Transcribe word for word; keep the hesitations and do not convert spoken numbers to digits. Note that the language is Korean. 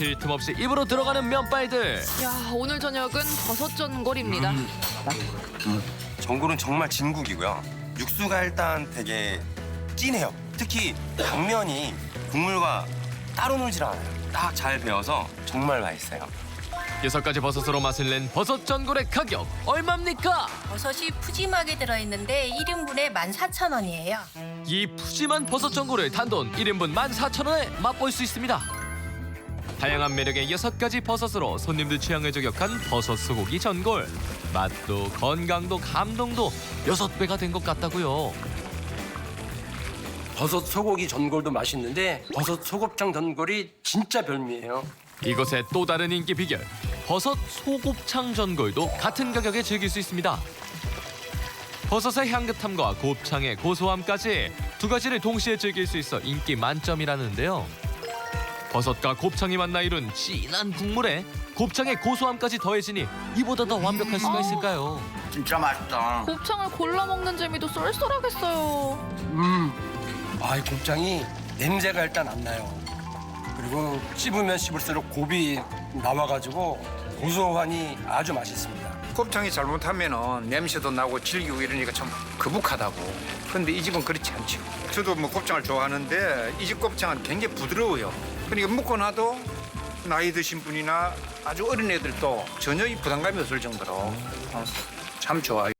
쉴 틈 없이 입으로 들어가는 면발들. 야, 오늘 저녁은 버섯 전골입니다. 전골은 정말 진국이고요. 육수가 일단 되게 진해요. 특히 당면이 국물과 따로 놀질 않아요. 딱 잘 배어서 정말 맛있어요. 여섯 가지 버섯으로 맛을 낸 버섯 전골의 가격 얼마입니까? 버섯이 푸짐하게 들어있는데 일 인분에 만 사천 원이에요. 이 푸짐한 버섯 전골을 단돈 일 인분 만 사천 원에 맛볼 수 있습니다. 다양한 매력의 여섯 가지 버섯으로 손님들 취향을 저격한 버섯 소고기 전골. 맛도 건강도 감동도 여섯 배가 된 것 같다고요. 버섯 소고기 전골도 맛있는데 버섯 소곱창 전골이 진짜 별미예요. 이곳의 또 다른 인기 비결. 버섯 소곱창 전골도 같은 가격에 즐길 수 있습니다. 버섯의 향긋함과 곱창의 고소함까지 두 가지를 동시에 즐길 수 있어 인기 만점이라는데요. 버섯과 곱창이 만나 이룬 진한 국물에 곱창의 고소함까지 더해지니 이보다 더 완벽할 수가 있을까요? 진짜 맛있다. 곱창을 골라 먹는 재미도 쏠쏠하겠어요. 음, 아, 이 곱창이 냄새가 일단 안 나요. 그리고 씹으면 씹을수록 곱이 나와가지고 고소하니 아주 맛있습니다. 곱창이 잘못하면은 냄새도 나고 질기고 이러니까 참 거북하다고. 근데 이 집은 그렇지 않죠. 저도 뭐 곱창을 좋아하는데 이 집 곱창은 굉장히 부드러워요. 그러니까 먹고 나도 나이 드신 분이나 아주 어린 애들도 전혀 이 부담감이 없을 정도로 어, 참 좋아요.